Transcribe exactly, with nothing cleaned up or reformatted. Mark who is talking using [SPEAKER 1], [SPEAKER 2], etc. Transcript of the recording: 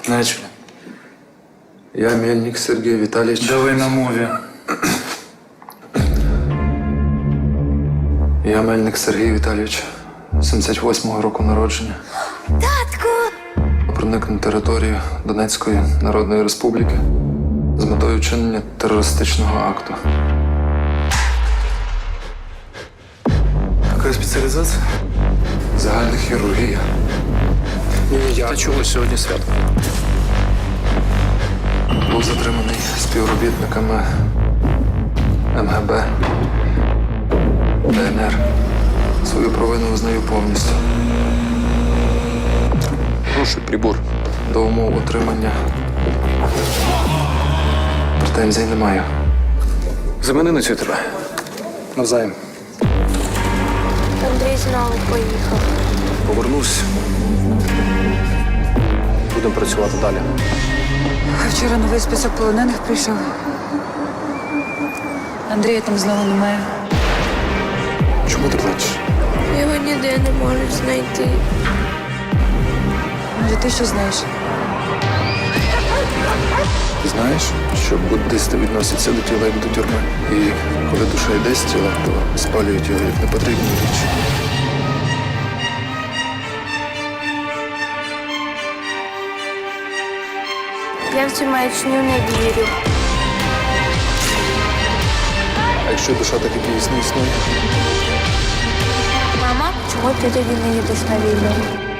[SPEAKER 1] Начали.
[SPEAKER 2] Я Мельник Сергій Віталійович.
[SPEAKER 1] Давай на мові.
[SPEAKER 2] Я Мельник Сергій Віталійович, сімдесят восьмого року народження.
[SPEAKER 3] Татку!
[SPEAKER 2] Проник на територію Донецької Народної Республіки з метою вчинення терористичного акту.
[SPEAKER 1] Яка спеціалізація?
[SPEAKER 2] Загальна хірургія.
[SPEAKER 1] Та чого сьогодні свято?
[SPEAKER 2] Був затриманий співробітниками ем ге бе, де ен ер. Свою провину визнаю повністю.
[SPEAKER 1] Прошу, прибор.
[SPEAKER 2] До умов отримання претензій не маю.
[SPEAKER 1] Замени на цю тебе. Навзаєм.
[SPEAKER 3] Андрій знову поїхав.
[SPEAKER 1] Повернусь. Будемо працювати далі.
[SPEAKER 4] А вчора новий список полонених прийшов. Андрія там знову немає.
[SPEAKER 1] Чому ти плачеш?
[SPEAKER 3] Його ніде не можуть знайти.
[SPEAKER 4] Може, ти що знаєш?
[SPEAKER 2] Ти знаєш, що буддисти відносяться до тіла як до тюрми. І коли душа йде з тіла, то спалюють його як непотрібну річ.
[SPEAKER 3] Я в цю маячню не вірю.
[SPEAKER 2] А якщо душа так і дійсно існує?
[SPEAKER 3] Мама, чого ти тоді не їдеш на війну?